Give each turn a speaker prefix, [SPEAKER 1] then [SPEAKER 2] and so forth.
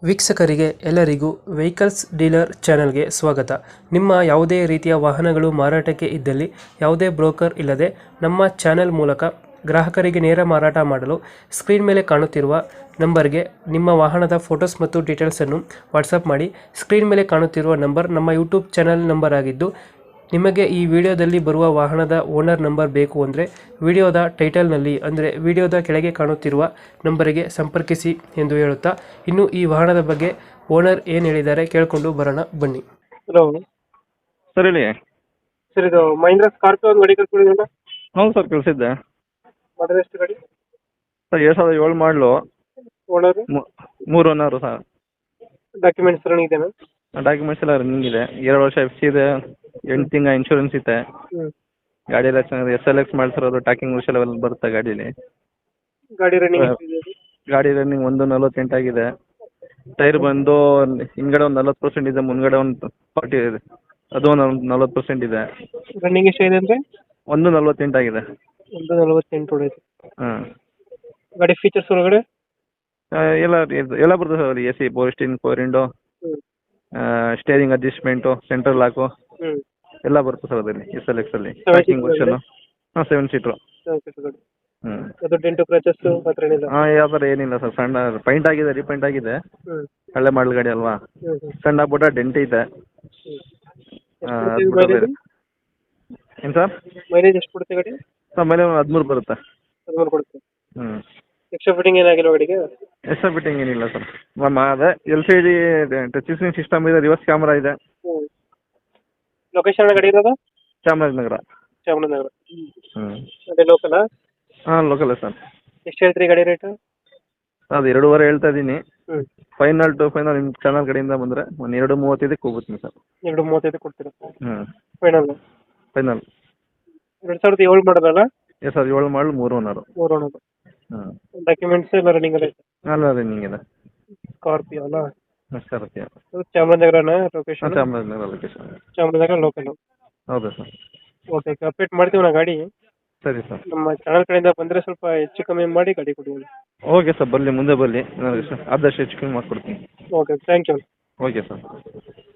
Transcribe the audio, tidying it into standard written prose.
[SPEAKER 1] ವೀಕ್ಷಕರಿಗೆ ಎಲ್ಲರಿಗೂ vehicles dealer ಚಾನೆಲ್ಗೆ ಸ್ವಾಗತ. ನಿಮ್ಮ ಯಾವುದೇ ರೀತಿಯ ವಾಹನಗಳು ಮಾರಾಟಕ್ಕೆ ಇದ್ದಲ್ಲಿ ಯಾವುದೇ ಬ್ರೋಕರ್ ಇಲ್ಲದೆ ನಮ್ಮ ಚಾನೆಲ್ ಮೂಲಕ ಗ್ರಾಹಕರಿಗೆ ನೇರ ಮಾರಾಟ ಮಾಡಲು ಸ್ಕ್ರೀನ್ ಮೇಲೆ ಕಾಣುತ್ತಿರುವ ನಂಬರ್ಗೆ ನಿಮ್ಮ ವಾಹನದ ಫೋಟೋಸ್ ಮತ್ತು ಡೀಟೇಲ್ಸನ್ನು ವಾಟ್ಸಪ್ ಮಾಡಿ. ಸ್ಕ್ರೀನ್ ಮೇಲೆ ಕಾಣುತ್ತಿರುವ ನಂಬರ್ ನಮ್ಮ ಯೂಟ್ಯೂಬ್ ಚಾನೆಲ್ ನಂಬರ್ ಆಗಿದ್ದು, ನಿಮಗೆ ಈ ವಿಡಿಯೋದಲ್ಲಿ ಬರುವ ವಾಹನದ ಓನರ್ ನಂಬರ್ ಬೇಕು ಅಂದರೆ ವಿಡಿಯೋದ ಟೈಟಲ್ನಲ್ಲಿ ಅಂದರೆ ವಿಡಿಯೋದ ಕೆಳಗೆ ಕಾಣುತ್ತಿರುವ ನಂಬರಿಗೆ ಸಂಪರ್ಕಿಸಿ ಎಂದು ಹೇಳುತ್ತಾ, ಇನ್ನು ಈ ವಾಹನದ ಬಗ್ಗೆ ಓನರ್ ಏನು ಹೇಳಿದ್ದಾರೆ ಕೇಳಿಕೊಂಡು ಬರೋಣ ಬನ್ನಿ. ಹಲೋ
[SPEAKER 2] ಸರ್ ಹೇಳಿ.
[SPEAKER 1] ಸರ್, ಇದು ಮಹೀಂದ್ರ ಸ್ಕಾರ್ಪಿಯೋ ಒಂದು ಗಾಡಿ ಕಳ್ಸ್ಕೊಂಡಿದ್ರಲ್ಲ,
[SPEAKER 2] ಹೌದು ಸರ್ ಕಳಿಸಿದ್ದೆ
[SPEAKER 1] ಮಾಡಲ್ ಎಷ್ಟು ಗಾಡಿ?
[SPEAKER 2] ಸರ್ 2007 ಮಾಡಲು,
[SPEAKER 1] owner
[SPEAKER 2] 3 owner sir.
[SPEAKER 1] Documents running ಇದೆಯಾ?
[SPEAKER 2] ಡಾಕ್ಯುಮೆಂಟ್ಸ್ ಎಲ್ಲ ರನ್ನಿಂಗ್ ಇದೆ. 2 ವರ್ಷ ಎಫ್ ಸಿ ಇದೆ, 8 ತಿಂಗಳ ಇನ್ಶೂರೆನ್ಸ್ ಇದೆ.
[SPEAKER 1] ಹ್ಞೂ.
[SPEAKER 2] ಗಾಡಿ ಎಲ್ಲ ಚೆನ್ನಾಗಿದೆ. SLX ಮಾಡ್ತಿರೋದು, ಟಾಕಿಂಗ್ ವಿಷಯ ಎಲ್ಲ ಬರುತ್ತೆ ಗಾಡೀಲಿ.
[SPEAKER 1] ಗಾಡಿ ರನ್ನಿಂಗ್
[SPEAKER 2] ಗಾಡಿ ರನ್ನಿಂಗ್ 1.48 ಆಗಿದೆ. ಟೈರ್ ಬಂದು ಹಿಂದ್ಗಡೆ ಒಂದು 40% ಇದೆ, ಮುಂದ್ಗಡೆ ಒಂದು 40 ಇದೆ, ಅದು ಒಂದು 40% ಇದೆ.
[SPEAKER 1] ರನ್ನಿಂಗ್ ಎಷ್ಟಾಗಿದೆ ಅಂದರೆ
[SPEAKER 2] 1.48 ಆಗಿದೆ.
[SPEAKER 1] 148 ಹೊಡೆಯುತ್ತೆ.
[SPEAKER 2] ಹಾಂ.
[SPEAKER 1] ಗಾಡಿ ಫೀಚರ್ಸ್ ಒಳಗಡೆ
[SPEAKER 2] ಎಲ್ಲ ಬರ್ತದೆ sir. AC, power steering, power window,
[SPEAKER 1] ಹ್ಞೂ
[SPEAKER 2] ಸ್ಟೇರಿಂಗ್ ಅಡ್ಜಸ್ಟ್ಮೆಂಟು, ಸೆಂಟ್ರಲ್ ಲಾಕು
[SPEAKER 1] ಹ್ಞೂ
[SPEAKER 2] ಎಲ್ಲ ಬರುತ್ತೆ ಸರ್ ಅದರಲ್ಲಿ. SLX ಅಲ್ಲಿ
[SPEAKER 1] 7
[SPEAKER 2] ಪ್ಯಾಕಿಂಗ್
[SPEAKER 1] seater
[SPEAKER 2] ವರ್ಷನು. ಹಾಂ, 7 ಸೀಟ್ರು.
[SPEAKER 1] ಗಾಡಿ
[SPEAKER 2] ಹ್ಞೂ.
[SPEAKER 1] ಅದು ಡೆಂಟು ಕ್ರಚಸ್ ಹತ್ರ ಏನಿಲ್ಲ?
[SPEAKER 2] ಹಾಂ, ಯಾವ ಥರ ಏನಿಲ್ಲ ಸರ್. ಸಣ್ಣ ಪೈಂಟ್ ಆಗಿದೆ, ರೀಪೈಂಟ್ ಆಗಿದೆ.
[SPEAKER 1] ಹ್ಞೂ
[SPEAKER 2] ಹಳೆ ಮಾಡಲ್ ಗಾಡಿ ಅಲ್ವಾ,
[SPEAKER 1] ಹ್ಞೂ ಹ್ಞೂ
[SPEAKER 2] ಸಣ್ಣ ಪುಟ್ಟ ಡೆಂಟ್ ಇದೆ. ಏನು ಸರ್?
[SPEAKER 1] ಮೈಲೇಜ್ ಎಷ್ಟು ಕೊಡುತ್ತೆ ಗಾಡಿ?
[SPEAKER 2] ಸರ್ ಮೇಲೆ 13 ಬರುತ್ತೆ.
[SPEAKER 1] 13 ಕೊಡುತ್ತೆ.
[SPEAKER 2] ಹ್ಞೂ.
[SPEAKER 1] ಎಕ್ಸ್ಟ್ರಾ ಫಿಟ್ಟಿಂಗ್ ಏನಾಗಿಲ್ಲ ಗಾಡಿಗೆ?
[SPEAKER 2] ಎಕ್ಸ್ಟ್ರಾ ಫಿಟ್ಟಿಂಗ್ ಏನಿಲ್ಲ ಸರ್. ಅದೇ LCD ಟಚ್ ಸ್ಕ್ರೀನ್ ಸಿಸ್ಟಮ್ ಇದೆ, ರಿವರ್ಸ್ ಕ್ಯಾಮ್ರಾ ಇದೆ.
[SPEAKER 1] ಹ್ಞೂ. ಲೊಕೇಶನ್ ಗಾಡಿ ಇರೋದು?
[SPEAKER 2] ಚಾಮರಾಜನಗರ.
[SPEAKER 1] ಚಾಮರಾಜನಗರ.
[SPEAKER 2] ಹ್ಞೂ.
[SPEAKER 1] ಅದೇ ಲೋಕಲಾ?
[SPEAKER 2] ಹಾಂ, ಲೋಕಲೇ ಸರ್.
[SPEAKER 1] ಎಷ್ಟು ಹೇಳ್ತೀರಿ ಗಾಡಿ ರೇಟು?
[SPEAKER 2] ಅದು 2.5 ಹೇಳ್ತಾ ಇದ್ದೀನಿ.
[SPEAKER 1] ಹ್ಞೂ.
[SPEAKER 2] ಫೈನಲ್ ಟು ಫೈನಲ್ ನಿಮ್ಮ ಚಾನಲ್ ಕಡೆಯಿಂದ ಬಂದರೆ ಒಂದು 2.35ಕ್ಕೆ ಹೋಗ್ಬಿಡ್ತೀನಿ ಸರ್.
[SPEAKER 1] 2.35 ಕೊಡ್ತೀರಾ?
[SPEAKER 2] ಹ್ಞೂ.
[SPEAKER 1] ಫೈನಲ್?
[SPEAKER 2] ಫೈನಲ್.
[SPEAKER 1] 2007 ಮಾಡೋದಲ್ಲ?
[SPEAKER 2] ಎಸ್ ಸರ್, 7 ಮಾಡಲು 3 ಓನರು.
[SPEAKER 1] 3 ಓನರ್.
[SPEAKER 2] ಹ್ಞೂ.
[SPEAKER 1] ಡಾಕ್ಯುಮೆಂಟ್ಸ್ ಎಲ್ಲ ರನ್ನಿಂಗ್ ಎಲ್ಲ ಐತೆ?
[SPEAKER 2] ಅಲ್ಲ, ರನ್ನಿಂಗ್ ಇದೆ.
[SPEAKER 1] ಸ್ಕಾರ್ಪಿಯೋ ಅಲ್ಲ?
[SPEAKER 2] ಸ್ಕಾರ್ಪಿಯೋ.
[SPEAKER 1] ಅದು ಚಾಮರಾಜನಗರನ
[SPEAKER 2] ಹಾಂ,
[SPEAKER 1] location?
[SPEAKER 2] Chamarajanagar location.
[SPEAKER 1] Chamarajanagar local.
[SPEAKER 2] ಹೌದಾ ಸರ್?
[SPEAKER 1] ಓಕೆ, ಅಪ್ಡೇಟ್ ಮಾಡ್ತೀವಿ ನಾ ಗಾಡಿ.
[SPEAKER 2] ಸರಿ ಸರ್.
[SPEAKER 1] ನಮ್ಮ ಚಾನಲ್ ಕಡೆಯಿಂದ ಬಂದರೆ ಸ್ವಲ್ಪ ಹೆಚ್ಚು ಕಮ್ಮಿ ಮಾಡಿ ಗಾಡಿ ಕೊಡಿ.
[SPEAKER 2] ಓಕೆ ಸರ್, ಬರಲಿ, ಮುಂದೆ ಬರಲಿ, ಆದಷ್ಟು ಹೆಚ್ಚು ಕಮ್ಮಿ ಮಾಡಿಕೊಡ್ತೀನಿ.
[SPEAKER 1] Okay, thank you.
[SPEAKER 2] Okay sir.